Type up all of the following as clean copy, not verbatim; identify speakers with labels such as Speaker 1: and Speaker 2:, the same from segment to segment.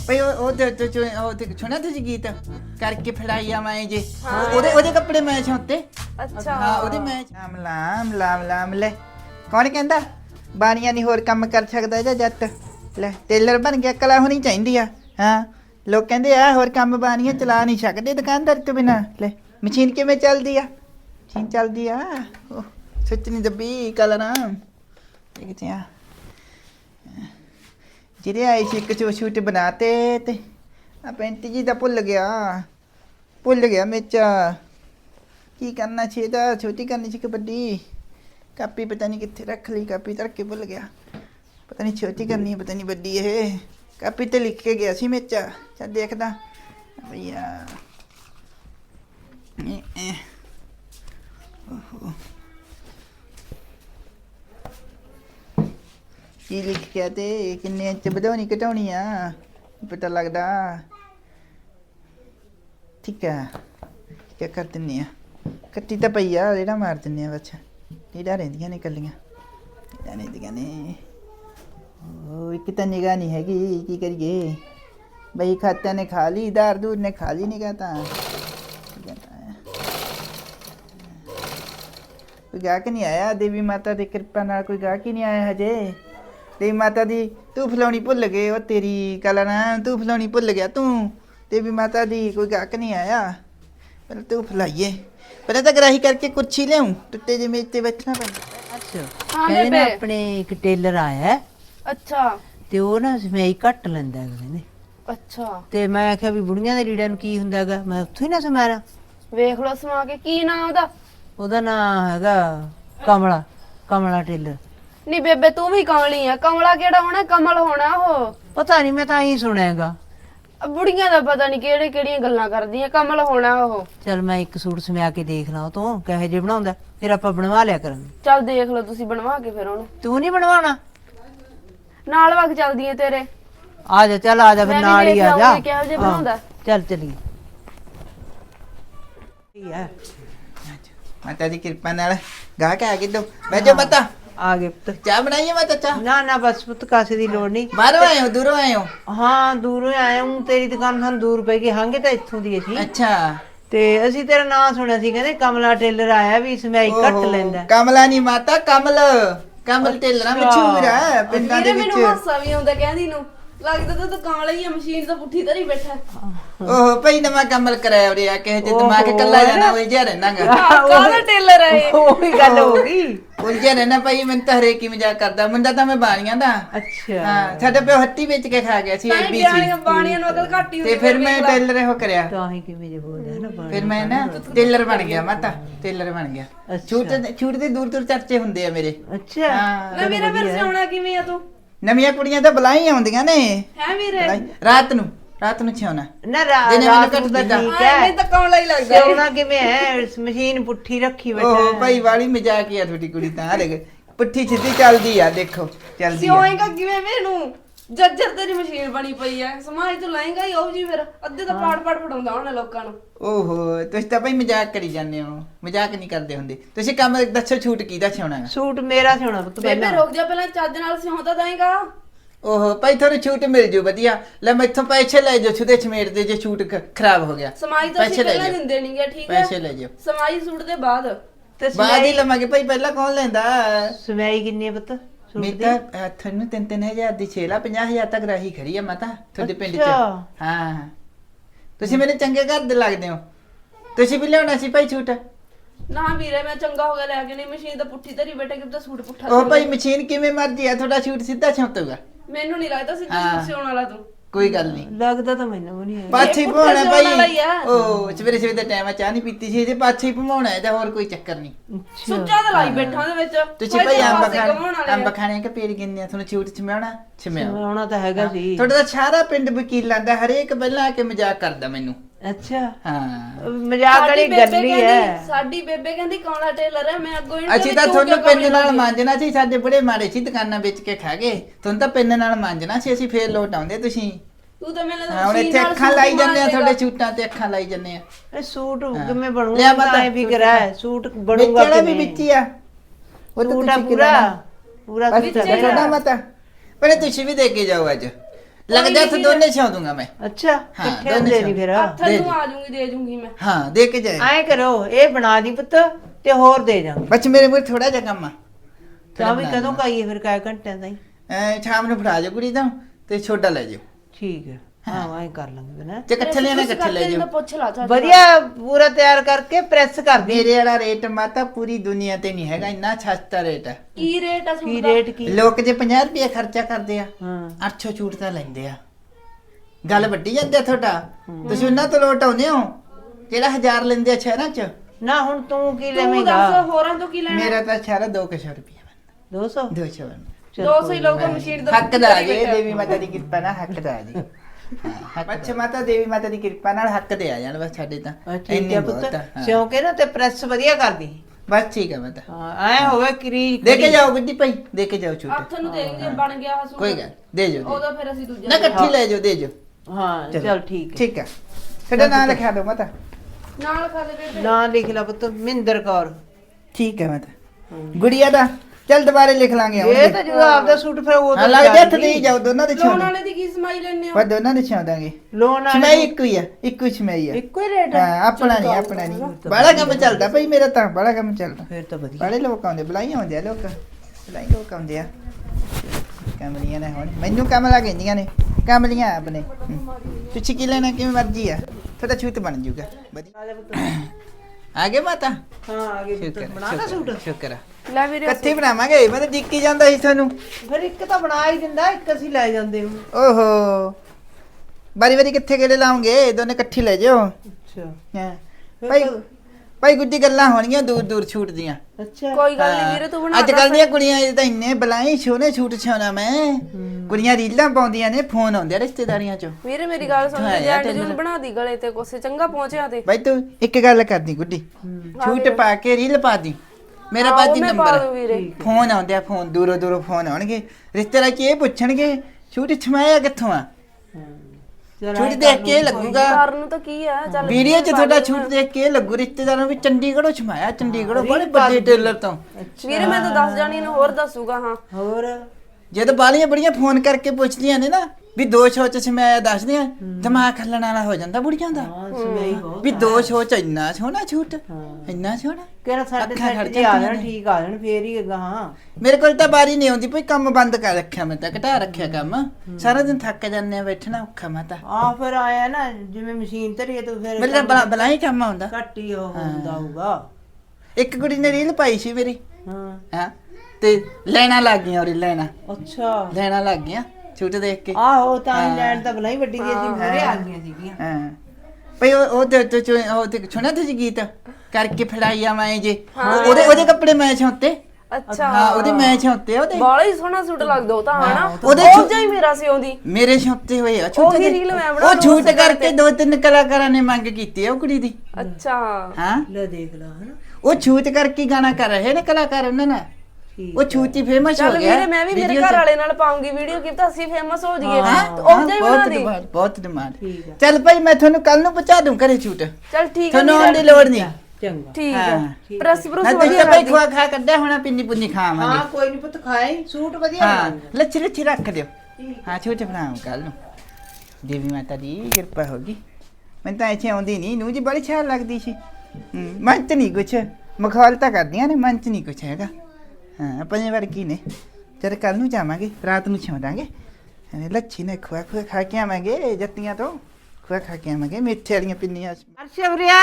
Speaker 1: ਭਈ ਉਹ ਤੇ ਸੁਣਾ ਤੁਸੀਂ ਗੀਤ ਕਰਕੇ ਫੜਾਈ ਆ ਮੈਂ ਜੇ ਉਹਦੇ ਕੱਪੜੇ ਮੈਚ ਹੁੰਦੇ।
Speaker 2: ਅੱਛਾ
Speaker 1: ਹਾਂ ਉਹਦੇ ਮੈਚ ਲਾਮ ਲਾਮ ਲਾਮ ਲੈ ਕੌਣ ਕਹਿੰਦਾ ਬਾਣੀਆਂ ਨਹੀਂ ਹੋਰ ਕੰਮ ਕਰ ਸਕਦਾ ਜਾਂ ਜੱਟ ਲੈ ਟੇਲਰ ਬਣ ਗਿਆ ਕਲਾ ਹੋਣੀ ਚਾਹੀਦੀ ਆ। ਹਾਂ ਲੋਕ ਕਹਿੰਦੇ ਆ ਹੋਰ ਕੰਮ ਬਾਣੀਆਂ ਚਲਾ ਨਹੀਂ ਸਕਦੇ ਦੁਕਾਨਦਾਰ ਤੋਂ ਬਿਨਾ ਲੈ ਮਸ਼ੀਨ ਕਿਵੇਂ ਚੱਲਦੀ ਆ ਮਸ਼ੀਨ ਚੱਲਦੀ ਆ ਸੁੱਚ ਨਹੀਂ ਦੱਬੀ ਕਲਾ ਨਾ ਕਿਤੇ ਆ ਜਿਹੜੇ ਆਏ ਸੀ ਇੱਕ ਛੂਟ ਬਣਾਤੇ ਤੇ ਆ ਪੈਂਟ ਜੀ ਦਾ ਭੁੱਲ ਗਿਆ ਮੇਚਾ ਕੀ ਕਰਨਾ ਚਾਹੀਦਾ ਛੋਟੀ ਕਰਨੀ ਸੀ ਕਿ ਵੱਡੀ ਕਾਪੀ ਪਤਾ ਨਹੀਂ ਕਿੱਥੇ ਰੱਖ ਲਈ ਕਾਪੀ ਧਰ ਕੇ ਭੁੱਲ ਗਿਆ ਪਤਾ ਨਹੀਂ ਛੋਟੀ ਕਰਨੀ ਹੈ ਪਤਾ ਨਹੀਂ ਵੱਡੀ ਇਹ ਕਾਪੀ ਤੇ ਲਿਖ ਕੇ ਗਿਆ ਸੀ ਮੇਚਾ ਚੱਲ ਦੇਖਦਾ ਭਈਆ ਕੀ ਲਿਖ ਕੇ ਤੇ ਕਿੰਨੇ ਇੰਚ ਵਧਾਉਣੀ ਘਟਾਉਣੀ ਆ ਪਤਾ ਲੱਗਦਾ ਠੀਕ ਆ ਕੀ ਕਰ ਦਿੰਨੇ ਆ ਕੱਟੀ ਤਾਂ ਪਈ ਆ ਜਿਹੜਾ ਮਾਰ ਦਿੰਨੇ ਆ ਬੱਚਾ ਜਿਹੜਾ ਰਹਿੰਦੀਆਂ ਨੇ ਕੱਲੀਆਂ ਨੇ ਉਹ ਇੱਕ ਤਾਂ ਨਿਗਾਹ ਨਹੀਂ ਹੈਗੀ ਕੀ ਕਰੀਏ ਬਈ ਖਾਤਿਆਂ ਨੇ ਖਾ ਲਈ ਦਾਰ ਦੂਰ ਨੇ ਖਾ ਲਈ ਨਿਗਾਹ ਤਾਂ ਕੋਈ ਗਾਹਕ ਨਹੀਂ ਆਇਆ ਦੇਵੀ ਮਾਤਾ ਦੀ ਕਿਰਪਾ ਨਾਲ ਕੋਈ ਗਾਹਕ ਹੀ ਨਹੀਂ ਆਇਆ ਹਜੇ ਦੇਵੀ ਮਾਤਾ ਦੀ ਤੂੰ ਫਲਾਉਣੀ ਭੁੱਲ ਗਏ ਉਹ ਤੇਰੀ ਕਲਾ ਨਾ ਤੂੰ ਫਲਾਉਣੀ ਭੁੱਲ ਗਿਆ ਤੂੰ ਦੇਵੀ ਮਾਤਾ ਦੀ ਕੋਈ ਗਾਹਕ ਨਹੀਂ ਆਇਆ ਪਹਿਲਾਂ ਤੂੰ ਫਲਾਈਏ ਪਹਿਲਾਂ ਤਾਂ ਗਰਾਹੀ ਕਰਕੇ ਕੁਰਸੀ ਲਿਆਉਂ ਟੁੱਟੇ ਜਿਹੇ ਮੇਜ਼ ਤੇ ਬੈਠਣਾ ਪੈਂਦਾ।
Speaker 3: ਅੱਛਾ
Speaker 2: ਹਾਂ
Speaker 3: ਕਹਿੰਦੇ
Speaker 2: ਬੇਬੇ।
Speaker 3: ਨਾ ਆਪਣੇ ਇੱਕ ਟੇਲਰ ਆਇਆ ਹੈ
Speaker 2: ਅੱਛਾ
Speaker 3: ਤੇ ਉਹ ਨਾ ਸਮੇਈ ਘੱਟ ਲੈਂਦਾ ਹੈਗਾ ਕਹਿੰਦੇ
Speaker 2: ਅੱਛਾ
Speaker 3: ਤੇ ਮੈਂ ਆਖਿਆ ਵੀ ਬੁੜੀਆਂ ਦੇ ਲੀੜਿਆਂ ਨੂੰ ਕੀ ਹੁੰਦਾ ਹੈਗਾ ਮੈਂ ਉੱਥੋਂ ਹੀ ਨਾ ਸਮਾਰਾਂ
Speaker 2: ਵੇਖ ਲਓ ਸਮਾ ਕੇ ਕੀ ਨਾਂ
Speaker 3: ਉਹਦਾ ਨਾਂ ਹੈਗਾ ਕਮਲਾ ਟੇਲਰ।
Speaker 2: ਨਹੀਂ ਬੇਬੇ ਤੂੰ ਵੀ ਕਮਲੀ ਆ ਕਮਲਾ ਕਿਹੜਾ ਹੋਣਾ ਕਮਲ ਹੋਣਾ ਉਹ
Speaker 3: ਪਤਾ ਨਹੀਂ ਮੈਂ ਤਾਂ ਹੀ ਸੁਣਿਆਗਾ
Speaker 2: ਬੁੜੀਆਂ ਦਾ ਪਤਾ ਨਹੀਂ ਕਿਹੜੀਆਂ ਗੱਲਾਂ ਕਰਦੀਆਂ ਕਮਲ ਹੋਣਾ ਉਹ
Speaker 3: ਚਲ ਮੈਂ ਇੱਕ ਸੂਟ ਸਮਿਆ ਕੇ ਦੇਖ ਲਾਂ ਉਹ ਤੋਂ ਕਿਹੋ ਜਿਹੇ ਬਣਾਉਂਦਾ ਫਿਰ ਆਪਾਂ ਬਣਵਾ ਲਿਆ ਕਰਾਂਗੇ।
Speaker 2: ਚੱਲ ਦੇਖ ਲਓ ਤੁਸੀਂ ਬਣਵਾ ਕੇ ਫਿਰ ਉਹਨੂੰ
Speaker 3: ਤੂੰ ਨਹੀਂ ਬਣਵਾਉਣਾ
Speaker 2: ਨਾਲ ਵਗ ਚੱਲਦੀ ਏ ਤੇਰੇ
Speaker 3: ਆ ਜਾ ਚੱਲ ਆ ਜਾ ਫਿਰ
Speaker 2: ਮੈਂ ਵੀ
Speaker 3: ਨਾਲ ਹੀ
Speaker 2: ਦੇਖ
Speaker 3: ਆ ਜਾ
Speaker 2: ਆਊਂਗੀ ਕਿਹੋ ਜਿਹੇ ਬਣਾਉਂਦਾ।
Speaker 3: ਚੱਲ ਚਲੀਏ ਕੀ ਹੈ
Speaker 1: ਮਾਤਾ ਦੀ ਕਿਰਪਾ ਨਾਲ ਗਾਹਕ ਆ ਕਿਦੋਂ ਬੈਠੋ ਮਾਤਾ
Speaker 3: ਆ ਗਏ ਪੁੱਤ
Speaker 1: ਚਾਹ ਬਣਾਈਏ ਮਾਤਾ ਚਾਹ
Speaker 3: ਨਾ ਬਸ ਪੁੱਤ ਕਾਸੇ ਦੀ ਲੋੜ ਨਹੀਂ
Speaker 1: ਬਾਹਰੋਂ ਆਏ ਹੋ ਦੂਰੋਂ ਆਏ ਹੋ
Speaker 3: ਹਾਂ ਦੂਰੋਂ ਆਇਆ ਹੂੰ ਤੇਰੀ ਦੁਕਾਨ ਸਾਨੂੰ ਦੂਰ ਪੈ ਗਈ ਹਾਂਗੇ ਤਾਂ ਇੱਥੋਂ ਦੀ ਅਸੀਂ
Speaker 1: ਅੱਛਾ
Speaker 3: ਤੇ ਅਸੀਂ ਤੇਰਾ ਨਾਂ ਸੁਣਿਆ ਸੀ ਕਹਿੰਦੇ ਕਮਲਾ ਟੇਲਰ ਆਇਆ ਵੀ ਸਮੈਈ ਘੱਟ
Speaker 1: ਓਹੋ,
Speaker 3: ਲੈਂਦਾ
Speaker 1: ਕਮਲਾ ਨਹੀਂ ਮਾਤਾ ਕਮਲ ਟੇਲਰਾਂ ਮਸ਼ਹੂਰ ਹੈ ਪਿੰਡਾਂ ਦੇ
Speaker 2: ਵੀਰੇ
Speaker 1: ਵਿੱਚ
Speaker 2: ਮੈਨੂੰ ਹਾਸਾ ਵੀ ਆਉਂਦਾ ਕਹਿੰਦੀ ਨੂੰ ਲੱਗਦਾ ਤਾਂ ਦੁਕਾਨ ਲਈ ਆ ਮਸ਼ੀਨ ਤਾਂ ਪੁੱਠੀ ਧਰੀ ਬੈਠਾ
Speaker 1: ਓਹ ਭਈ ਨਵਾਂ ਕਮਲ ਕਰਾਇਆ ਉਰੇ ਆ ਕਿਸੇ ਦੇ ਦਿਮਾਗ ਕੱਲਾ ਜਾਣਾ ਉਹ ਜਿਹਾ ਰਹਿਣਾਗਾ
Speaker 2: ਕਾਹਦਾ ਟੇਲਰ ਹੈ ਇਹ
Speaker 3: ਉਹੀ ਗੱਲ ਹੋ ਗਈ
Speaker 1: ਉਲਝਿਆ ਰਹਿਣਾ ਭਾਈ ਮੈਨੂੰ ਤਾਂ ਹਰੇਕ ਹੀ ਮਜ਼ਾਕ ਕਰਦਾ ਮੁੰਡਾ ਤਾਂ ਮੈਂ ਬਾਣੀਆਂ ਦਾ
Speaker 3: ਅੱਛਾ
Speaker 1: ਹਾਂ ਸਾਡੇ ਪਿਓ ਹੱਟੀ ਵੇਚ ਕੇ ਖਾ ਗਿਆ ਸੀ ਐਬੀ
Speaker 2: ਬਾਣੀਆਂ ਨੂੰ ਅਕਲ ਘੱਟ ਹੀ ਹੁੰਦੀ
Speaker 1: ਤੇ ਫਿਰ ਮੈਂ ਟੇਲਰ ਇਹੋ ਕਰਿਆ
Speaker 3: ਤਾਂ ਹੀ ਕਿਵੇਂ ਜੇ ਬੋਲਦਾ ਹੈ ਨਾ ਬਾਣੀ।
Speaker 1: ਫਿਰ ਮੈਂ ਨਾ ਟੇਲਰ ਬਣ ਗਿਆ ਮਾਤਾ ਟੇਲਰ ਬਣ ਗਿਆ
Speaker 3: ਅੱਛਾ।
Speaker 1: ਛੂਟ ਦੇ ਦੂਰ ਦੂਰ ਚਰਚੇ ਹੁੰਦੇ ਆ ਮੇਰੇ
Speaker 3: ਅੱਛਾ
Speaker 1: ਹਾਂ
Speaker 2: ਨਾ ਵੀਰੇ ਫਿਰ ਸਿਆਉਣਾ ਕਿਵੇਂ ਆ ਤੂੰ
Speaker 1: ਨਵੀਆਂ ਕੁੜੀਆਂ ਤਾਂ ਬੁਲਾਈ ਆਉਂਦੀਆਂ ਨੇ
Speaker 2: ਹੈ ਵੀਰੇ
Speaker 1: ਰਾਤ ਨੂੰ ਛਾਉਣਾ
Speaker 3: ਨਾ
Speaker 1: ਦਿਨੇ ਮੈਨੂੰ
Speaker 3: ਰਾਤ ਨੂੰ
Speaker 1: ਕੱਟਦਾ
Speaker 3: ਤਾਂ
Speaker 1: ਜਾ।
Speaker 3: ਠੀਕ
Speaker 2: ਮੈਨੂੰ
Speaker 3: ਹੈ
Speaker 2: ਤਾਂ ਕਮਲਾ ਹੀ ਲੱਗਦਾ
Speaker 3: ਸੋਣਾ ਕਿਵੇਂ ਹੈ ਮਸ਼ੀਨ ਪੁੱਠੀ ਰੱਖੀ ਬੈਠਾ
Speaker 1: ਓਹ ਭਾਈ ਵਾਲੀ ਮਜ਼ਾਕ ਹੀ ਆ ਤੁਹਾਡੀ ਕੁੜੀ ਤਾਂ ਹਲੇ ਪੁੱਠੀ ਸਿੱਧੀ ਚੱਲਦੀ ਆ ਦੇਖੋ ਚੱਲਦੀ ਆ
Speaker 2: ਸਿਓਏਗਾ ਕਿਵੇਂ ਮੈਨੂੰ ਜੱਜਰ ਤੇਰੀ ਮਸ਼ੀਨ ਬਣੀ ਪਈ ਐ ਸਮਾਜ ਤੋਂ ਲਾਏਗਾ ਹੀ ਉਹ ਜੀ ਫਿਰ ਅੱਧੇ ਤਾਂ ਪਾੜ ਫੜਾਉਂਦਾ ਉਹਨੇ ਲੋਕਾਂ ਨੂੰ
Speaker 1: ਓਹੋ ਤੁਸੀਂ ਤਾਂ ਭਾਈ ਮਜ਼ਾਕ ਕਰੀ ਜਾਂਦੇ ਹੋ ਮਜ਼ਾਕ ਨਹੀਂ ਕਰਦੇ ਹੁੰਦੇ ਤੁਸੀਂ ਕੰਮ ਦੱਸੋ ਛੂਟ ਕਿਹਦਾ ਛਾਉਣਾ
Speaker 3: ਸੂਟ ਮੇਰਾ ਸਿਉਣਾ ਪੁੱਤ
Speaker 2: ਬੇਬੇ
Speaker 3: ਪਹਿਲਾਂ
Speaker 2: ਰੁਕ ਜਾ ਪਹਿਲਾਂ ਚੱਜ ਨਾਲ ਸਿਉਂਦਾ ਦਾਏਗਾ
Speaker 1: ਓਹੋ ਭਾਈ ਤੁਹਾਨੂੰ ਛੂਟ ਮਿਲ ਜੂ ਵਧੀਆ ਲੈ ਮੈਥੋਂ ਪੈਸੇ ਲੈ ਜਾਓ ਛੁਦੇ ਛਮੇੜ ਦੇ ਜੇ ਛੂਟ ਖਰਾਬ ਹੋ ਗਿਆ
Speaker 2: ਸਮਾਈ ਤਾਂ ਅਸੀਂ ਪਹਿਲਾਂ ਦਿੰਦੇ ਨਹੀਂਗੇ ਠੀਕ ਹੈ
Speaker 1: ਪੈਸੇ ਲੈ ਜਾਓ
Speaker 2: ਸਮਾਈ ਸੂਟ ਦੇ ਬਾਅਦ
Speaker 3: ਤੇ
Speaker 1: ਬਾਅਦ ਹੀ ਲਵਾਂਗੇ ਭਾਈ ਪਹਿਲਾਂ ਕੌਣ ਲੈਂਦਾ
Speaker 3: ਸਮੈਈ ਕਿੰਨੀ ਹੈ ਪੁੱਤ ਸੂਟ
Speaker 1: ਮੈਂ
Speaker 3: ਦੀ
Speaker 1: ਤਾਂ ਤੁਹਾਨੂੰ 3-3000 ਦੀ ਛੇਲਾ 50000 ਤੱਕ ਰਾਹੀ ਖੜੀ ਆ ਮਾਤਾ ਤੁਹਾਡੇ ਪਿੰਡ ਚ
Speaker 3: ਅੱਛਾ।
Speaker 1: ਹਾਂ ਤੁਸੀਂ ਮੇਰੇ ਚੰਗੇ ਘਰ ਦੇ ਲੱਗਦੇ ਹੋ ਤੁਸੀਂ ਵੀ ਲਿਆਉਣਾ ਸੀ ਭਾਈ ਛੂਟ
Speaker 2: ਨਾ ਵੀਰੇ ਮੈਂ ਚੰਗਾ ਹੋ ਗਿਆ ਲੈ ਕੇ ਨਹੀਂ ਮਸ਼ੀਨ ਤਾਂ ਪੁੱਠੀ ਧਰੀ ਬੈਠੇ ਕਿ ਤਾਂ ਸੂਟ ਪੁੱਠਾ
Speaker 1: ਉਹ ਭਾਈ ਮਸ਼ੀਨ ਕਿਵੇਂ ਮਰਦੀ ਆ ਤੁਹਾਡਾ ਛੂਟ ਸਿੱਧਾ ਛਾਉਂਦਾ
Speaker 2: ਮੈਨੂੰ ਨਹੀਂ ਲੱਗਦਾ ਸਿੱਧਾ
Speaker 1: ਹਾਂ।
Speaker 2: ਸੂਟ ਸਿਉਣ ਵਾਲਾ ਤੂੰ
Speaker 1: ਕੋਈ ਗੱਲ ਨਹੀਂ
Speaker 3: ਲੱਗਦਾ ਤਾਂ ਮੈਨੂੰ ਵੀ ਨਹੀਂ ਹੈ
Speaker 1: ਪਾਛੀ
Speaker 2: ਪੁੱਠੇ
Speaker 1: ਭਵਾਉਣਾ
Speaker 2: ਸਿਉਣ ਵਾਲਾ ਹੀ
Speaker 1: ਭਾਈ
Speaker 2: ਆ।
Speaker 1: ਉਹ ਸਵੇਰੇ ਸਵੇਰੇ ਦਾ ਟਾਈਮ ਆ ਚਾਹ ਨਹੀਂ ਪੀਤੀ ਸੀ ਜੇ ਪਾਛੀ ਭਵਾਉਣਾ ਹੈ ਤਾਂ ਹੋਰ ਕੋਈ ਚੱਕਰ ਨਹੀਂ
Speaker 2: ਸੁੱਚਾ ਤਾਂ ਲਾਈ ਬੈਠਾ ਉਹਦੇ ਵਿੱਚ
Speaker 1: ਤੁਸੀਂ ਭਾਈ ਅੰਬ ਖਾਣੇ ਕਿ ਪੇੜ ਗਿੰਨੇ ਤੁਹਾਨੂੰ ਛੂਟ ਛਮਿਆਉਣਾ ਛਮਿਆਓ
Speaker 3: ਆਉਣਾ ਤਾਂ ਹੈਗਾ ਸੀ
Speaker 1: ਤੁਹਾਡਾ ਤਾਂ ਸਾਰਾ ਪਿੰਡ ਵਕੀਲਾਂ ਦਾ ਹਰੇਕ ਪਹਿਲਾਂ ਆ ਕੇ ਮਜ਼ਾਕ ਕਰਦਾ ਮੈਨੂੰ
Speaker 3: ਅੱਛਾ
Speaker 1: ਹਾਂ
Speaker 3: ਮਜ਼ਾਕ ਵਾਲੀ ਗੱਲ ਹੀ ਹੈ
Speaker 2: ਸਾਡੀ ਬੇਬੇ ਕਹਿੰਦੀ ਕੌਣਾ ਟੇਲਰ ਹੈ ਮੈਂ ਅੱਗੋਂ ਹੀ
Speaker 1: ਅਸੀਂ ਤਾਂ ਤੁਹਾਨੂੰ ਪਿੰਨ ਨਾਲ ਮਾਂਜਣਾ ਸੀ ਸਾਡੇ ਬੜੇ ਮਾੜੇ ਸੀ ਦੁਕਾਨਾਂ ਵੇਚ ਕੇ ਖਾ ਗਏ ਤੁਹਾਨੂੰ ਤਾਂ ਪਿੰਨ ਨਾਲ ਮਾਂਜਣਾ ਸੀ ਅਸੀਂ ਫੇਰ ਲੋਟ ਆਉਂਦੇ ਤੁਸੀਂ
Speaker 2: ਤੂੰ ਤਾਂ ਮੈਨੂੰ
Speaker 1: ਹਾਂ ਹੁਣ ਇੱਥੇ ਅੱਖਾਂ ਲਾਈ ਜਾਂਦੇ ਆ ਤੁਹਾਡੇ ਛੂਟਾਂ ਤੇ ਅੱਖਾਂ ਲਾਈ ਜਾਂਦੇ ਆ
Speaker 3: ਇਹ ਸੂਟ ਕਿਵੇਂ
Speaker 1: ਲਿਆ
Speaker 3: ਬਣੂਗਾ
Speaker 1: ਮਾਤਾ,
Speaker 3: ਤਾਂ ਇਹ ਫਿਕਰ ਹੈ ਸੂਟ ਬਣੂਗਾ
Speaker 1: ਵੇਚਣਾ ਵੀ
Speaker 3: ਕਿਵੇਂ
Speaker 1: ਵਿੱਚ ਹੀ ਆ ਉਹ ਤਾਂ
Speaker 3: ਸੂਟ ਆ
Speaker 1: ਤੁਸੀਂ
Speaker 3: ਪੂਰਾ
Speaker 1: ਕਿਹੜਾ
Speaker 3: ਪੂਰਾ
Speaker 1: ਬਸ
Speaker 3: ਵਿੱਚ
Speaker 1: ਤੁਹਾਡਾ ਮਾਤਾ ਪਰ ਤੁਸੀਂ ਵੀ ਦੇ ਕੇ ਜਾਓ ਅੱਜ लग जा तो दोनों छाव दूंगा मैं।
Speaker 3: ਅੱਛਾ
Speaker 1: ਹਾਂ,
Speaker 3: ਕਿੱਥੇ
Speaker 1: ਦੋਨੇ
Speaker 3: ਹੁੰਦੇ ਨਹੀਂ ਫਿਰ
Speaker 2: ਹੱਥ
Speaker 1: ਦੇ
Speaker 2: ਨੂੰ ਆ ਜਾਊਂਗੀ ਦੇ ਜੂੰਗੀ ਮੈਂ।
Speaker 1: हाँ दे के जाए।
Speaker 3: ਐਂ ਕਰੋ ਇਹ ਬਣਾ ਦੀ ਪੁੱਤ ਤੇ ਹੋਰ ਦੇ ਜਾਵਾਂਗੇ
Speaker 1: बच्चे मेरे मुझे थोड़ा जा काम आ
Speaker 3: ਚਾਹ ਵੀ ਕਦੋਂ ਕਾਈਏ ਫਿਰ ਕਾਇ ਘੰਟਿਆਂ ਤਾਈਂ
Speaker 1: शाम ਨੂੰ ਫੜਾ ਜਾ ਕੁੜੀ ਦਾ ਤੇ ਛੋਟਾ ਲੈ ਜਾਓ
Speaker 3: ਠੀਕ ਹੈ ਹਾਂ ਐਂ ਕਰ ਲਾਂਗੇ ਨਾ
Speaker 1: ਤੇ ਇਕੱਠੇ ਲੈਣਾ
Speaker 2: ਤੁਸੀਂ
Speaker 1: ਇਕੱਠੇ ਲੈ
Speaker 2: ਕਰਦੇ ਨੀ
Speaker 1: ਜਾਓ।
Speaker 2: ਤਾਂ ਪੁੱਛ ਲਾ ਚਾਚੀ।
Speaker 3: ਵਧੀਆ ਪੂਰਾ ਤਿਆਰ ਕਰਕੇ ਪ੍ਰੈਸ ਕਰ ਦੇ
Speaker 1: ਮੇਰੇ ਵਾਲਾ ਰੇਟ ਮਾਤਾ ਪੂਰੀ ਦੁਨੀਆ ਤੇ ਨਹੀਂ ਹੈਗਾ ਇੰਨਾ ਸਸਤਾ ਰੇਟ ਹੈ।
Speaker 2: ਕੀ ਰੇਟ ਆ ਸੂਟ
Speaker 3: ਕੀ
Speaker 2: ਦਾ?
Speaker 3: ਰੇਟ ਕੀ
Speaker 1: ਲੋਕ ਜੇ 50 ਰੁਪਏ ਖਰਚਾ ਕਰਦੇ ਆ
Speaker 3: ਹਾਂ
Speaker 1: 800 ਛੂਟ ਤਾਂ ਲੈਂਦੇ ਆ। ਗੱਲ ਵੱਡੀ ਜਾਂਦੀ ਆ ਤੁਹਾਡਾ। ਤੁਸੀਂ ਉਹਨਾਂ ਤੋਂ ਲੋਟ ਆਉਂਦੇ ਹੋ ਜਿਹੜਾ 1000 ਲੈਂਦੇ ਆ ਸ਼ਹਿਰਾਂ 'ਚ।
Speaker 3: ਨਾ ਹੁਣ ਤੂੰ ਕੀ
Speaker 2: ਤੂੰ
Speaker 3: ਲੈਵੇਂਗਾ
Speaker 2: ਦੱਸ ਹੋਰਾਂ ਤੋਂ ਕੀ ਲੈਣਾ?
Speaker 1: ਮੇਰਾ ਤਾਂ ਸ਼ਹਿਰ 200 ਰੁਪਏ
Speaker 3: 200
Speaker 1: 200
Speaker 2: 200 ਹੀ ਲਊਗਾ ਮਸ਼ੀਨ ਦਾ।
Speaker 1: ਹੱਕ ਦਾ ਜੀ ਦੇਵੀ ਮਾਤਾ ਦੀ ਕਿਰਪਾ ਨਾਲ ਹੱਕ ਦਾ ਜੀ। ਅੱਛਾ ਮਾਤਾ ਦੇਵੀ ਮਾਤਾ ਦੀ ਕਿਰਪਾ ਨਾਲ ਹੱਕ ਦੇ ਆ ਜਾਣ ਬਸ ਸਾਡੇ ਤਾਂ
Speaker 3: ਠੀਕ
Speaker 1: ਇੰਨੇ
Speaker 3: ਹੈ
Speaker 1: ਬਹੁਤ
Speaker 3: ਪੁੱਤ
Speaker 1: ਆ, ਹਾਂ।
Speaker 3: ਸਿਉਂਕੇ ਨਾ ਤੇ ਪ੍ਰੈਸ ਵਧੀਆ ਕਰਦੀ
Speaker 1: ਬਸ ਠੀਕ ਹੈ ਮਾਤਾ।
Speaker 3: ਹਾਂ ਐ ਹੋਵੇ ਕਰੀ
Speaker 1: ਦੇ ਕੇ ਜਾਓ ਗੱਡੀ ਭਾਈ ਦੇ ਕੇ ਜਾਓ ਛੂਟ।
Speaker 2: ਹੱਥ ਨੂੰ ਦੇਣਗੇ ਬਣ ਗਿਆ ਆਹ ਸੂਟ।
Speaker 1: ਕੋਈ ਗੱਲ ਦੇ ਜਾਓ
Speaker 2: ਉਦੋਂ ਫਿਰ ਅਸੀਂ ਦੂਜਾ
Speaker 1: ਨਾ ਇਕੱਠੀ ਲੈ ਜਾਓ ਦੇ ਜਾਓ।
Speaker 3: ਹਾਂ
Speaker 1: ਚਲੋ।
Speaker 3: ਚਲ ਠੀਕ ਹੈ
Speaker 1: ਠੀਕ ਹੈ ਸਾਡਾ ਨਾਮ ਲਿਖਾ ਦਿਓ ਮਾਤਾ।
Speaker 2: ਨਾਲ ਖਾ ਦੇ ਬੇਬੇ।
Speaker 3: ਨਾਂ ਲਿਖ ਲੈ ਪੁੱਤ ਮਹਿੰਦਰ ਕੌਰ
Speaker 1: ਠੀਕ ਹੈ ਮਾਤਾ। ਗੁੜੀਆ ਦਾ ਚੱਲ ਦੁਬਾਰੇ ਲਿਖ ਲਾਂਗੇ
Speaker 3: ਇਹ ਤਾਂ ਜਦੋਂ ਆਪਦਾ ਸੂਟ ਫਿਰ ਉਹ
Speaker 1: ਹਾਂ ਲੱਗ ਜਾ ਹੱਥ ਦੇ ਹੀ ਜਾਓ ਦੋਨਾਂ ਦੇ
Speaker 2: ਲੋਨ
Speaker 1: ਛਾਂ
Speaker 2: ਵਾਲੇ ਦੀ ਕੀ ਸਮਾਈ ਲੈਣੇ ਹੋ?
Speaker 1: ਪਰ ਦੋਨਾਂ ਦੇ ਛਾਂ ਦਾਂਗੇ।
Speaker 3: ਲੋਨ
Speaker 1: ਛਮਾਈ ਇੱਕੋ ਹੀ ਆ ਇੱਕੋ ਹੀ ਛਮਾਈ ਆ।
Speaker 3: ਇੱਕੋ ਹੀ ਰੇਟ
Speaker 1: ਹਾਂ ਆਪਣਾ ਨਹੀਂ ਬੜਾ ਕੰਮ ਚੱਲਦਾ ਭਾਈ ਮੇਰਾ ਤਾਂ ਬੜਾ ਕੰਮ ਚੱਲਦਾ।
Speaker 3: ਫਿਰ ਤਾਂ ਵਧੀਆ
Speaker 1: ਬੜੇ ਲੋਕ ਆਉਂਦੇ ਬੁਲਾਈ ਆਉਂਦੇ ਆ ਲੋਕ ਬੁਲਾਈ ਲੋਕ ਆਉਂਦੇ ਆ ਕਮਲੀਆਂ ਨੇ ਹੁਣ ਮੈਨੂੰ ਕਮਲਾ ਕਹਿੰਦੀਆਂ ਨੇ ਕਮਲੀਆਂ ਆਪਣੇ ਤੁਸੀਂ ਕੀ ਲੈਣਾ ਕਿਵੇਂ ਮਰਜੀ ਆ ਤੁਹਾਡਾ ਛੂਤ ਬਣ ਜਾਊਗਾ ਵਧੀਆ। ਆ ਗਏ ਮਾਤਾ
Speaker 3: ਹਾਂ ਆਗੇ
Speaker 1: ਸ਼ੁਕਰ
Speaker 3: ਬਣਾਤਾ ਸੂਟ
Speaker 1: ਸ਼ੁਕਰ
Speaker 2: ਲੈ ਵੀਰੇ
Speaker 1: ਇਕੱਠੇ ਬਣਾਵਾਂਗੇ ਮੈਂ ਤਾਂ ਡਿੱਕੀ ਜਾਂਦਾ ਸੀ ਤੁਹਾਨੂੰ।
Speaker 3: ਫਿਰ ਇੱਕ ਤਾਂ ਬਣਾ ਹੀ ਦਿੰਦਾ ਇੱਕ ਅਸੀਂ ਲੈ ਜਾਂਦੇ ਹਾਂ
Speaker 1: ਓਹੋ ਬਾਰੀ ਬਾਰੀ ਕਿੱਥੇ ਗੇੜੇ ਲਾਉਂਗੇ ਦੋਨੇ ਇਕੱਠੀ ਲੈ ਜਾਓ।
Speaker 3: ਅੱਛਾ
Speaker 1: ਹਾਂ
Speaker 3: ਫਿਰ
Speaker 1: ਭਾਈ
Speaker 3: ਤਾਂ-
Speaker 1: ਭਾਈ ਗੁੱਡੀ ਗੱਲਾਂ ਹੋਣਗੀਆਂ ਦੂਰ ਦੂਰ ਛੂਟ ਦੀਆਂ।
Speaker 3: ਅੱਛਾ
Speaker 2: ਕੋਈ ਗੱਲ ਨਹੀਂ ਵੀਰੇ ਤੂੰ ਬਣਾ
Speaker 1: ਅੱਜ ਕੱਲ ਦੀਆਂ ਕੁੜੀਆਂ ਇਹ ਤਾਂ ਇੰਨੇ ਬਲਾਈ ਸੋਹਣੇ ਛੂਟ ਛਾਉਣਾ ਮੈਂ ਕੁੜੀਆਂ ਰੀਲਾਂ ਪਾਉਂਦੀਆਂ ਨੇ ਫੋਨ ਆਉਂਦੇ ਆ ਰਿਸ਼ਤੇਦਾਰੀਆਂ ਚੋਂ।
Speaker 2: ਵੀਰੇ ਮੇਰੀ ਗੱਲ ਸੁਣ
Speaker 1: ਹਾਂ,
Speaker 2: ਜੈਂਟ
Speaker 1: ਤੈਨੂੰ-
Speaker 2: ਜੂਨ ਬਣਾ ਦੀ ਗਲੇ ਤੇ ਕੋਸੇ ਚੰਗਾ ਪਹੁੰਚਿਆ ਤੇ।
Speaker 1: ਭਾਈ ਤੂੰ ਇੱਕ ਗੱਲ ਕਰਦੀ ਗੁੱਡੀ ਛੂਟ ਪਾ ਕੇ ਰੀਲ ਪਾ ਦੀ ਮੇਰਾ
Speaker 2: ਹਾਂ,
Speaker 1: ਬਾਜੀ
Speaker 2: ਉਹ ਮੈਂ ਪਾ
Speaker 1: ਨੰਬਰ
Speaker 2: ਦੂੰ ਵੀਰੇ।
Speaker 1: ਫੋਨ ਆਉਂਦੇ ਆ ਫੋਨ ਦੂਰੋਂ ਦੂਰੋਂ ਫੋਨ ਆਉਣਗੇ ਰਿਸ਼ਤੇਦਾਰ ਕੀ ਇਹ ਪੁੱਛਣਗੇ ਛੂਟ ਛਮਾਇਆ ਕਿੱਥੋਂ ਆ ਛੂਟ ਦੇਖ ਕੇ ਲੱਗੂਗਾ
Speaker 2: ਘਰ ਨੂੰ ਤਾਂ ਕੀ ਆ ਚੱਲ
Speaker 1: ਵੀਡੀਓ 'ਚ ਤੁਹਾਡਾ ਛੂਟ ਦੇਖ ਕੇ ਲੱਗੂ ਰਿਸ਼ਤੇਦਾਰਾਂ ਨੂੰ ਵੀ ਚੰਡੀਗੜ੍ਹੋਂ ਛਮਾਇਆ ਚੰਡੀਗੜ੍ਹੋਂ ਬੜੇ ਵੱਡੇ ਟੇਲਰ ਤੋਂ।
Speaker 2: ਵੀਰੇ ਮੈਂ ਤਾਂ ਦੱਸ ਜਾਣੀ ਨੂੰ ਹੋਰ ਦੱਸੂਗਾ। ਹਾਂ
Speaker 3: ਹੋਰ
Speaker 1: ਜਦ ਬਾਲੀਆਂ ਬੜੀਆਂ ਫੋਨ ਕਰਕੇ ਪੁੱਛਦੀਆਂ ਨੇ ਨਾ ਵੀ 200 ਚ ਛਮਾਇਆ ਦੱਸਦੀਆਂ ਦਿਮਾਗ ਖੱਲਣ ਵਾਲਾ ਹੋ ਜਾਂਦਾ ਬੁੜੀਆਂ ਦਾ
Speaker 3: ਹਾਂ ਸਮਝਾਈ ਬਹੁਤ
Speaker 1: ਵੀ 200 ਚ ਇੰਨਾ ਸੋਹਣਾ ਛੂਟ ਇੰਨਾ ਸੋਹਣਾ।
Speaker 3: ਕਿਹੜਾ ਸਾਡੇ
Speaker 1: ਅੱਖਾਂ
Speaker 3: ਸੈੱਟ
Speaker 1: ਖੜ
Speaker 3: ਜੀ ਆ
Speaker 1: ਜਾਂਦੀਆਂ
Speaker 3: ਜਾਣ
Speaker 1: ਨੇ।
Speaker 3: ਠੀਕ ਆ ਜਾਣ ਫੇਰ ਹੀ ਗਾਹਾਂ
Speaker 1: ਮੇਰੇ ਕੋਲ ਤਾਂ ਬਾਰੀ ਨਹੀਂ ਆਉਂਦੀ ਭਈ ਕੰਮ ਬੰਦ ਕਰ ਰੱਖਿਆ ਮੈਂ ਤਾਂ ਘਟਾ ਰੱਖਿਆ ਕੰਮ ਸਾਰਾ ਦਿਨ ਥੱਕ ਜਾਂਦੇ ਆ ਬੈਠਣਾ ਔਖਾ ਮੈਂ ਤਾਂ
Speaker 3: ਆ ਫਿਰ ਆਇਆ ਨਾ ਜਿਵੇਂ ਮਸ਼ੀਨ ਧਰੀਏ ਤੂੰ ਫਿਰ
Speaker 1: ਮੇਰੇ ਤਾਂ ਬਲਾਈ ਕੰਮ ਆਉਂਦਾ।
Speaker 3: ਘੱਟ ਹੀ ਉਹ ਹੁੰਦਾ ਹੋਊਗਾ
Speaker 1: ਇੱਕ ਕੁੜੀ ਨੇ ਰੀਲ ਪਾਈ ਸੀ ਮੇਰੀ
Speaker 3: ਹਾਂ
Speaker 1: ਹਾਂ ਤੇ ਲੈਣਾ ਲੱਗ ਗਈਆਂ ਔਰ ਲੈਣਾ
Speaker 3: ਅੱਛਾ
Speaker 1: ਲੱਗ ਗਈਆਂ ਛੂਟ ਦੇਖ ਕੇ।
Speaker 3: ਆਹੋ ਤਾਂ ਇੰਗਲੈਂਡ ਤਾਂ ਬਲਾਈ ਵੱਡੀ ਜੀ ਅਸੀਂ ਮੂਰੇ ਆ ਗਈਆਂ ਸੀਗੀਆਂ
Speaker 1: ਹਾਂ ਭਈ ਉਹ ਤੇ ਸੁਣਿਆ ਤੁਸੀਂ ਗੀਤ ਕਰਕੇ ਫੜਾਈਆ ਮੈਂ ਜੇ ਉਹਦੇ ਕੱਪੜੇ ਮੈਚ ਹੁੰਦੇ।
Speaker 2: ਅੱਛਾ
Speaker 1: ਹਾਂ ਉਹਦੇ ਮੈਚ ਹੁੰਦੇ ਉਹਦੇ
Speaker 2: ਬਾਲਾ ਹੀ ਸੋਹਣਾ ਸੂਟ ਲੱਗਦਾ ਉਹ ਤਾਂ ਹਨਾ
Speaker 1: ਉਹਦੇ
Speaker 2: ਉਹ
Speaker 1: ਛੂ-
Speaker 2: ਜਿਹਾ ਹੀ ਮੇਰਾ ਸੀ ਉਹਦੀ।
Speaker 1: ਮੇਰੇ ਛੋਤੇ ਹੋਏ ਆ
Speaker 2: ਉਹੀ
Speaker 1: ਛੋਟੇ
Speaker 2: ਰੀਲ ਮੈਂ ਬਣਾ
Speaker 1: ਉਹ
Speaker 2: ਲਊਂ
Speaker 1: ਛੂਟ
Speaker 2: ਉਸੇ
Speaker 1: ਕਰਕੇ ਦੋ ਤਿੰਨ ਕਲਾਕਾਰਾਂ ਨੇ ਮੰਗ ਕੀਤੀ ਆ ਉਹ ਕੁੜੀ ਦੀ।
Speaker 2: ਅੱਛਾ
Speaker 1: ਹਾਂ
Speaker 3: ਲੈ ਦੇਖ ਲਾ ਹਨਾ
Speaker 1: ਉਹ ਛੂਟ ਕਰਕੇ ਗਾਣਾ ਕਰ ਰਹੇ ਨੇ ਕਲਾਕਾਰ ਉਹਨਾਂ ਨਾਲ
Speaker 3: ਠੀਕ
Speaker 1: ਉਹ ਛੂਤੀ ਫੇਮਸ ਹੋ
Speaker 2: ਚੱਲ
Speaker 1: ਗਿਆ
Speaker 2: ਵੀਰੇ ਮੈਂ ਵੀ ਮੇਰੇ
Speaker 1: video
Speaker 2: ਘਰ
Speaker 1: ਚ।
Speaker 2: ਵਾਲੇ ਨਾਲ ਪਾਉਂਗੀ ਵੀਡੀਓ ਕਿ ਤਾਂ ਅਸੀਂ ਫੇਮਸ ਹੋ ਜਾਈਏ
Speaker 1: ਹਾਂ
Speaker 2: ਉਹ ਜਿਹਾ ਹੀ ਬਣਾ
Speaker 1: ਬਹੁਤ
Speaker 2: ਦੀ।
Speaker 1: ਡਿਮਾਂਡ ਬਹੁਤ ਡਿਮਾਂਡ
Speaker 3: ਠੀਕ ਆ
Speaker 1: ਚੱਲ ਭਾਈ ਮੈਂ ਤੁਹਾਨੂੰ ਕੱਲ ਨੂੰ ਪਹੁੰਚਾ ਦੂੰ ਘਰੇ ਛੂਟ
Speaker 2: ਚੱਲ ਠੀਕ ਹੈ
Speaker 1: ਤੁਹਾਨੂੰ ਆਉਣ ਦੀ
Speaker 2: ਵੀਰੇ।
Speaker 1: ਲੋੜ ਨਹੀਂ।
Speaker 3: ਚੰਗਾ
Speaker 2: ਠੀਕ
Speaker 1: ਹਾਂ।
Speaker 2: ਹੈ ਪ੍ਰੈਸ ਪ੍ਰੂਸ
Speaker 1: ਹਾਂ
Speaker 2: ਵਧੀਆ
Speaker 1: ਭਾਈ
Speaker 2: ਕਰਦੀ।
Speaker 1: ਖਵਾ ਖਾ ਕੱਢਿਆ ਹੋਣਾ ਪਿੰਨੀ ਪੁੰਨੀ ਖਾਵਾਂਗੇ।
Speaker 3: ਹਾਂ ਕੋਈ ਨਹੀਂ ਪੁੱਤ ਖਾਏ ਸੂਟ ਵਧੀਆ
Speaker 1: ਹਾਂ
Speaker 3: ਬਣਾਉਂਗਾ
Speaker 1: ਲੱਛੀ ਲੱਛੀ ਰੱਖ ਦਿਓ ਹਾਂ ਛੋਟੇ ਬਣਾਉਂ ਕੱਲ ਨੂੰ ਦੇਵੀ ਮਾਤਾ ਦੀ ਕਿਰਪਾ ਹੋਗੀ ਮੈਂ ਤਾਂ ਇੱਥੇ ਆਉਂਦੀ ਨਹੀਂ ਨੂੰ ਜੀ ਬੜੀ ਛਾਲ ਲੱਗਦੀ ਸੀ ਮਨ ਚ ਨਹੀਂ ਕੁਛ ਮਖੌਲ ਤਾਂ ਕਰਦੀਆਂ ਨੇ ਮਨ ਚ ਨਹੀਂ ਕੁਛ ਹੈਗਾ ਹਾਂ ਆਪਣੇ ਵਰਗੀ ਨੇ ਜਦ ਕੱਲ ਨੂੰ ਜਾਵਾਂਗੇ ਰਾਤ ਨੂੰ ਛਾਵਾਂਗੇ ਲੱਛੀ ਨੇ ਖਵਾ ਖਵਾ ਖਾ ਕੇ ਆਵਾਂਗੇ ਜੱਤੀਆਂ ਤੋਂ ਖਵਾ ਖਾ ਕੇ ਆਵਾਂਗੇ ਮਿੱਠੇ ਵਾਲੀਆਂ ਪਿੰਨੀਆਂ
Speaker 3: ਅਰਸ਼ਵਰਿਆ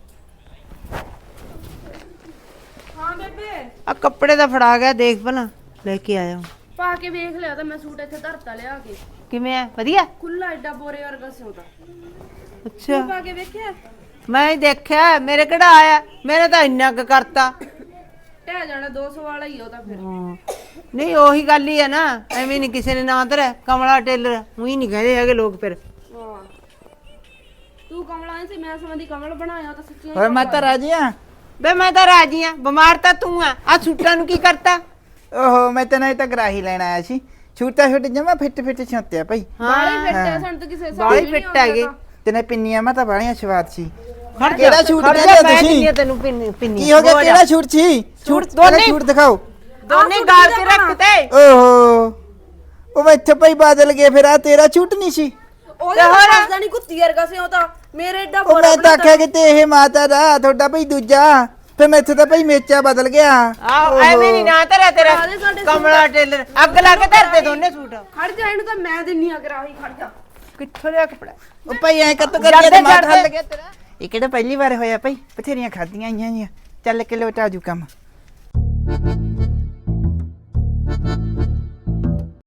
Speaker 2: ਹਾਂ ਬੇਬੇ
Speaker 3: ਆ ਕੱਪੜੇ ਦਾ ਫੜਾ ਗਿਆ ਦੇਖ ਭਲਾ ਲੈ ਕੇ ਆਇਆ
Speaker 2: ਪਾ ਕੇ ਵੇਖ ਲਿਆ ਤਾਂ ਮੈਂ ਸੂਟ ਇੱਥੇ ਧਰਤਾ ਲਿਆ ਕੇ
Speaker 3: ਕਿਵੇਂ ਆ ਵਧੀਆ
Speaker 2: ਖੁੱਲਾ ਐਡਾ ਬੋਰੇ ਵਰਗਾ ਸਿਉਂਦਾ
Speaker 3: ਅੱਛਾ
Speaker 2: ਪਾ ਕੇ ਵੇਖਿਆ
Speaker 3: ਮੈਂ ਹੀ ਦੇਖਿਆ ਮੇਰੇ ਕਿਹੜਾ ਆਇਆ ਮੇਰੇ ਤਾਂ ਇੰਨਾ ਕੁ ਕਰਤਾ
Speaker 2: ਟਹਿ ਜਾਣਾ 200 ਵਾਲਾ ਹੀ ਉਹ ਤਾਂ ਫਿਰ
Speaker 3: ਹਾਂ। ਨਹੀਂ ਉਹੀ ਗੱਲ ਹੀ ਹੈ ਨਾ ਐਵੇਂ ਨਹੀਂ ਕਿਸੇ ਨੇ ਨਾਂ ਧਰਿਆ ਕਮਲਾ ਟੇਲਰ ਉਹੀ ਨਹੀਂ ਕਹਿੰਦੇ ਹੈਗੇ ਲੋਕ ਫਿਰ
Speaker 2: ਹਾਂ ਤੂੰ ਕਮਲਾ ਨਹੀਂ ਸੀ ਮੈਂ ਸਮਝਦੀ ਕਮਲ ਬਣਾਇਆ ਤਾਂ ਸੱਚੀ
Speaker 1: ਹੋਰ ਮਾਤਾ ਰਾਜੀਆ
Speaker 3: ਬੇ ਮੈਂ ਤਾਂ ਰਾਜੀ ਆ ਬਿਮਾਰ ਤਾਂ ਤੂੰ ਆ ਸੂਟਾਂ ਨੂੰ ਕੀ ਕਰਤਾ
Speaker 1: ਓਹੋ ਮੈਂ ਤਾਂ ਨਹੀਂ ਤਾਂ ਗਰਾਹੀ ਲੈਣ ਆਇਆ ਸੀ ਛੂਟਾ ਛੁੱਟ ਜਮਾ ਫਿੱਟ ਫਿੱਟ ਛੋਤਿਆ ਭਾਈ
Speaker 2: ਬਾਲੀ ਫਿੱਟ ਹੈ ਸਾਨੂੰ ਤਾਂ ਕਿਸੇ
Speaker 3: ਬਾਲੀ ਫਿੱਟ ਹੈਗੇ
Speaker 1: ਤੇ ਨੇ ਪਿੰਨੀਆਂ ਮੈਂ ਤਾਂ ਬਾਲੀਆਂ ਸਵਾਦ ਸੀ
Speaker 3: ਖੜ
Speaker 1: ਕਿਹੜਾ ਛੂਟ
Speaker 3: ਖੜ
Speaker 1: ਲੈ
Speaker 3: ਜਾ,
Speaker 1: ਲਿਆ
Speaker 3: ਮੈਂ
Speaker 1: ਤੁਸੀਂ?
Speaker 3: ਦਿੰਦੀ ਆ ਤੈਨੂੰ ਪਿੰਨੀ
Speaker 1: ਕੀ ਹੋ ਗਿਆ ਕਿਹੜਾ ਛੂਟ ਸੀ
Speaker 3: ਛੂਟ
Speaker 1: ਪਹਿਲਾਂ
Speaker 3: ਦੋਨੇ-
Speaker 1: ਛੂਟ ਦਿਖਾਓ
Speaker 3: ਦੋਨੇ ਗਾਲ ਕੇ ਰੱਖ ਤੇ
Speaker 1: ਓਹੋ ਉਹ ਮੈਥੋਂ ਭਾਈ ਬਦਲ ਗਏ ਫਿਰ ਆ ਤੇਰਾ ਛੂਟ ਨਹੀਂ ਸੀ
Speaker 2: ਉਹਦਾ ਦੱਸਦਾ ਨਹੀਂ ਕੁੱਤੀ ਵਰਗਾ ਸੀ ਉਹ ਤਾਂ ਮੇਰੇ ਏਡਾ
Speaker 1: ਉਹ ਮੈਂ ਤਾਂ ਆਖਿਆ ਕਿ ਇਹ ਮਾਤਾ ਦਾ ਤੁਹਾਡਾ ਭਾਈ ਦੂਜਾ ਫਿਰ ਮੈਥੋਂ ਤਾਂ ਭਾਈ ਮੇਚਾ ਬਦਲ ਗਿਆ
Speaker 3: ਆਹ ਐਵੇਂ ਨਹੀਂ ਨਾ ਧਰਿਆ ਤੇਰਾ ਕਮਲਾ ਟੇਲਰ ਅੱਗ ਲਾ ਕੇ ਧਰਦੇ ਦੋਨੇ ਸੂਟ
Speaker 2: ਖੜ ਜਾ ਇਹਨੂੰ ਤਾਂ ਮੈਂ ਦਿੰਨੀ ਆ ਕਰਾਹੀ ਖੜ ਜਾ
Speaker 3: ਕਿੱਥੋਂ ਲਿਆ ਕੱਪੜਾ
Speaker 1: ਉਹ ਭਾਈ ਐ ਕੱਤ ਕਰਕੇ ਤੇ ਮਾਥਾ ਹੱਲ ਗਿਆ ਤੇਰਾ ਇਹ ਕਿਹੜਾ ਪਹਿਲੀ ਵਾਰ ਹੋਇਆ ਭਾਈ ਬਥੇਰੀਆਂ ਖਾਦੀਆਂ ਆਈਆਂ ਜੀਆਂ ਚੱਲ ਕੇ ਲੋਟਾ ਜੂ ਕੰਮ